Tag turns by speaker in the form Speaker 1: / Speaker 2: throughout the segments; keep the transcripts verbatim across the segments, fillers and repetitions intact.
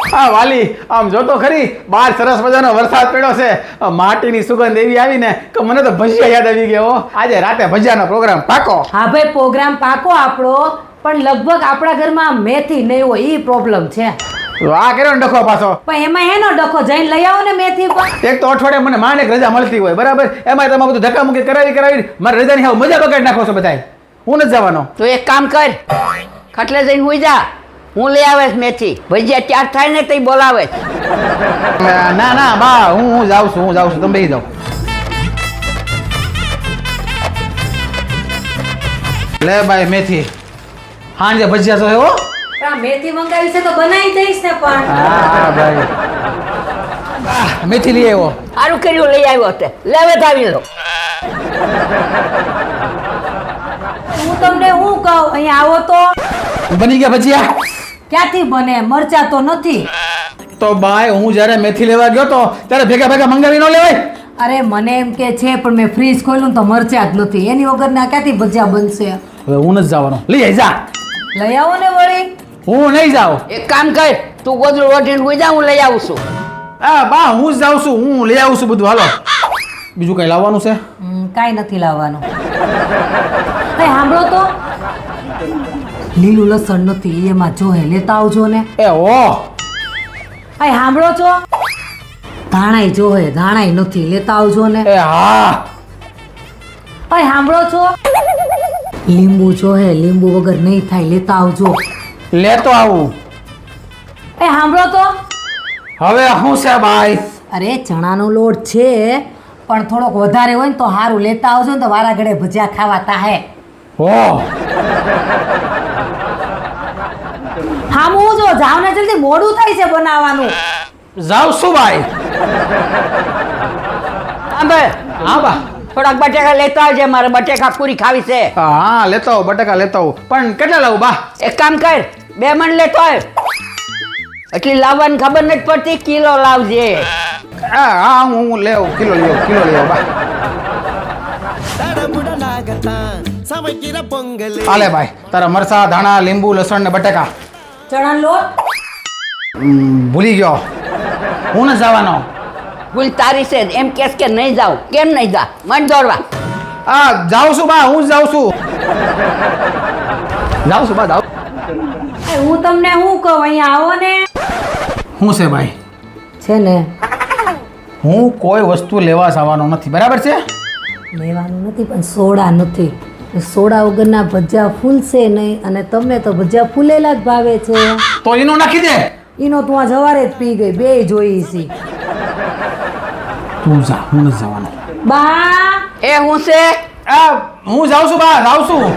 Speaker 1: હા વાલી આમ જો તો ખરી બહાર સરસ મજાનો વરસાદ પડ્યો છે માટીની સુગંધ એવી આવી ને કે મને તો ભજીયા યાદ આવી ગયો આજે રાતે ભજીયાનો પ્રોગ્રામ પાકો
Speaker 2: હા ભાઈ પ્રોગ્રામ પાકો આપણો પણ લગભગ આપણા ઘરમાં મેથી નહીં હોય ઈ પ્રોબ્લેમ છે
Speaker 1: આ કર્યો ને ડખો પાછો
Speaker 2: પણ એમાં હેનો ડખો જઈને લઈ આવો ને મેથી પણ
Speaker 1: એક તો અઠવાડિયે મને માંડ એક રજા મળતી હોય બરાબર એમાં તમે બધું ધક્કા મૂકી કરાવી કરાવી મારી રજાની હાવ મજા બગાડી નાખો છો બધાય હું નથી જવાનો
Speaker 3: તો એક કામ કર ખટલે જઈને હુઈ જા હું લઈ આવેશ મેથી ભજીયા ત્યાર થાય ને તઈ બોલાવે
Speaker 1: ના ના બા હું હું જાઉં છું હું જાઉં છું તમે બેસી જાઓ લે ભાઈ મેથી હાંજે ભજીયા તો એવો
Speaker 2: મેથી મંગાવી છે તો બનાવી દઈશ ને પણ
Speaker 1: હા ભાઈ મેથી લઈ આવ્યો
Speaker 3: સારું કર્યું લઈ આવ્યો તે લેવે આવી લો
Speaker 2: હું તમને હું કહું અહીંયા આવો તો
Speaker 1: બની ગયા ભજીયા
Speaker 2: ક્યાંથી બને મરચા તો નથી
Speaker 1: તો ભાઈ હું જ્યારે મેથી લેવા ગયો તો ત્યારે ભેગા ભેગા મંગાવી ન લેવાય
Speaker 2: અરે મને એમ કે છે પણ મેં ફ્રીજ ખોલ્યું તો મરચા જ નથી એની વગર ના ક્યાંથી ભજીયા બનશે
Speaker 1: હવે હું નથી જવાનો લઈ આવી જા
Speaker 2: લઈ આવો ને વળી
Speaker 1: હું નહીં જાઉં
Speaker 3: એક કામ કર તું ગોદડું ઓઢીને હુઈ જા હું લઈ આવું છું
Speaker 1: હા બા હું જ જાઉં છું હું લઈ આવું છું બધું હાલો બીજું કઈ લાવવાનું છે
Speaker 2: કાંઈ નથી લાવવાનું એ સાંભળો તો લીલું લસણ નથી એમાં જોહે લેતા આવજો ને
Speaker 1: એ ઓ
Speaker 2: એ સાંભળો છો ધાણાય જોહે ધાણાય નથી લેતા આવજો ને
Speaker 1: એ હા
Speaker 2: એ સાંભળો છો લીંબુ જોહે લીંબુ વગર નહીં થાય લેતા આવજો
Speaker 1: લેતો આવું
Speaker 2: એ સાંભળો તો
Speaker 1: હવે શું છે ભાઈ
Speaker 2: અરે ચણાનો લોટ છે પણ થોડોક વધારે હોય ને તો સારું લેતા આવજો ને તો વારા ઘડે ભજીયા ખાવા તાહે
Speaker 1: હો
Speaker 2: હા હું જો જાવ ને જલ્દી મોડું થાય છે બનાવવાનું
Speaker 1: જાવ શું ભાઈ
Speaker 3: સાંભળ
Speaker 1: હા બા
Speaker 3: થોડાક બટેકા લેતા આવજે મારે બટેકા પૂરી ખાવી છે
Speaker 1: હા લેતો આવું બટાકા લેતો આવું પણ કેટલા લાવું બા
Speaker 3: એક કામ કર બે મણ લેતો આવ એટલી લાવવાની ખબર નથી પડતી કિલો લાવજે
Speaker 1: હા હા હું હું લેવ કિલો લેવ કિલો લેવ બા હાલે ભાઈ તારા મરસા ધાણા લીંબુ લસણ ને બટેકા
Speaker 2: ચણાનો લોટ
Speaker 1: હમ, ભૂલી ગયો હું ન જવાનો
Speaker 3: ભૂલ તારી છે એમ કેસ કે નહીં જાવ કેમ નહીં જા મન દોડવા
Speaker 1: હા જાઉં છું બા હું જ જાઉં છું જાઉં છું બા જાઉં
Speaker 2: એ હું તમને શું કહું અહીંયા આવો ને
Speaker 1: શું છે ભાઈ
Speaker 2: છે ને
Speaker 1: હું કોઈ વસ્તુ લેવા જવાનો નથી બરાબર છે
Speaker 2: લેવાનું નથી પણ સોડા નથી સોડા વગરના ભજીયા ફૂલશે નહીં અને તમને તો ભજીયા ફૂલેલા જ ભાવે છે
Speaker 1: તો એનું નાખી દે
Speaker 2: ઈનો તું આ જવારે જ પી ગઈ બે જોઈ છે
Speaker 1: તું જા હું નથી જવાનો
Speaker 2: બા
Speaker 3: એ હું છે
Speaker 1: આ હું જાઉં છું બા જાઉં છું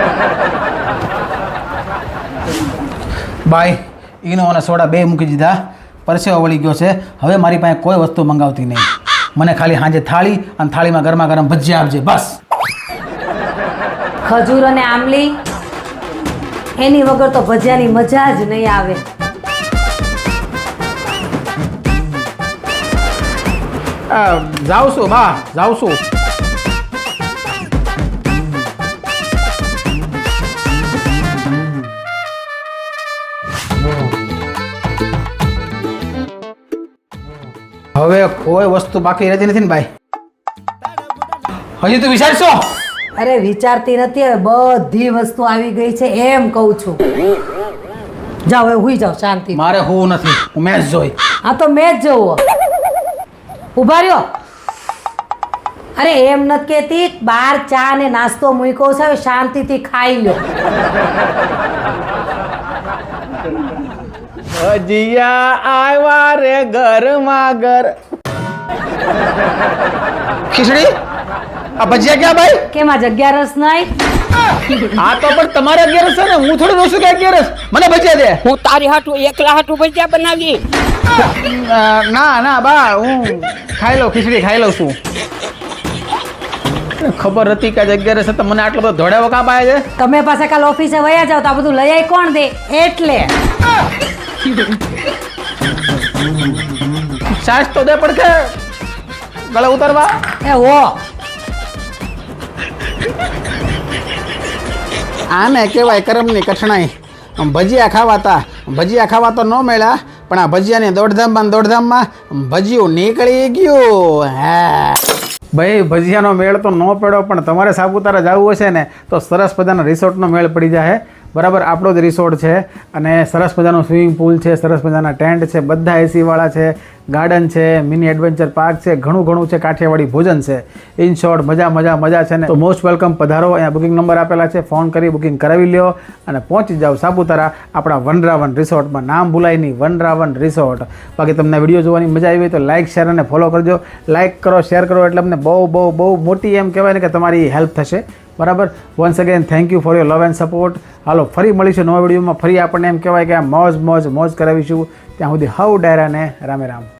Speaker 1: બાય ઈનો અને સોડા બે મૂકી દીધા પરસેવો વળી ગયો છે હવે મારી પાસે કોઈ વસ્તુ મંગાવતી નહીં મને ખાલી સાંજે થાળી અને થાળીમાં ગરમા ગરમ ભજીયા આપજે બસ
Speaker 2: ખજૂર અને આમલી એની વગર તો ભજીયાની મજા જ નહીં આવે
Speaker 1: આ, જાઉં છું બા જાઉં છું હવે કોઈ વસ્તુ બાકી રહેતી નથી ને ભાઈ હજી તું વિચારશો
Speaker 2: અરે વિચારતી નથી હવે બધી વસ્તુ આવી ગઈ છે એમ કહું છું જાઓ હવે હુઈ જાઓ શાંતિ
Speaker 1: મારે હોવું નથી હું મેચ જોઈ
Speaker 2: હા તો મેચ જોવો ઉભા રહ્યો અરે એમ નથી કહેતી બાર ચા ને નાસ્તો મૂક્યો છે હવે શાંતિથી ખાઈ લો
Speaker 1: ભજીયા આવ્યા રે ગરમા ગર ખીચડી આ ભજીયા ક્યાં ભાઈ
Speaker 2: કેમાં જગ્યા રસ નહીં
Speaker 1: આ તો પણ તમારે અગિયારસ છે ને હું થોડું રોશું કે અગિયારસ મને ભજીયા દે
Speaker 3: હું તારી હાટું એકલા હાટું ભજીયા બનાવી
Speaker 1: અ, ના ના બા હું ખાઈ લઉં ખીચડી ખાઈ લઉં છું ખબર હતી કે આજે અગિયારસ છે તો મને આટલો બધો ધોળાવો કાપ આવે છે
Speaker 2: તમે પાસે કાલ ઓફિસે વયા જાવ તો આ બધું લઈ આવી કોણ દે એટલે
Speaker 1: સાસ તો દે પણ કે ગળે ઉતારવા
Speaker 2: એ હો
Speaker 1: આને કહેવાય કરમની કઠણાઈ ભજીયા ખાવાતા ભજીયા ખાવા તો ન મળ્યા પણ આ ભજીયાની દોડધામમાં ને દોડધામમાં ભજીયું નીકળી ગયું હા ભાઈ ભજીયાનો મેળ તો ન પડ્યો, પણ તમારે સાપુતારા જવું હશે ને તો સરસ મજાના રિસોર્ટનો મેળ પડી જાય. બરાબર, આપણો જ રિસોર્ટ છે અને સરસ મજાનો સ્વિમિંગ પુલ છે, સરસ મજાના ટેન્ટ છે, બધા એસીવાળા છે, ગાર્ડન છે, મિની એડવેન્ચર પાર્ક છે, ઘણું ઘણું છે, કાઠિયાવાડી ભોજન છે. ઇન શોર્ટ મજા મજા મજા છે ને. તો મોસ્ટ વેલકમ, પધારો. અહીંયા બુકિંગ નંબર આપેલા છે, ફોન કરી બુકિંગ કરાવી લ્યો અને પહોંચી જાઓ સાપુતારા આપણા વનરાવન રિસોર્ટમાં. નામ ભૂલાય નહીં, વનરાવન રિસોર્ટ. બાકી તમને વિડીયો જોવાની મજા આવી હોય તો લાઇક શેર અને ફોલો કરજો. લાઇક કરો, શેર કરો એટલે અમને બહુ બહુ બહુ મોટી એમ કહેવાય ને કે તમારી હેલ્પ થશે. બરાબર, once again thank you for your love and support. હાલો ફરી મળીશું નવા વિડીયોમાં. ફરી આપણને એમ કહેવાય કે આ મોજ મોજ મોજ કરાવીશું. ત્યાં સુધી હવ ડાયરા ને રામે રામ.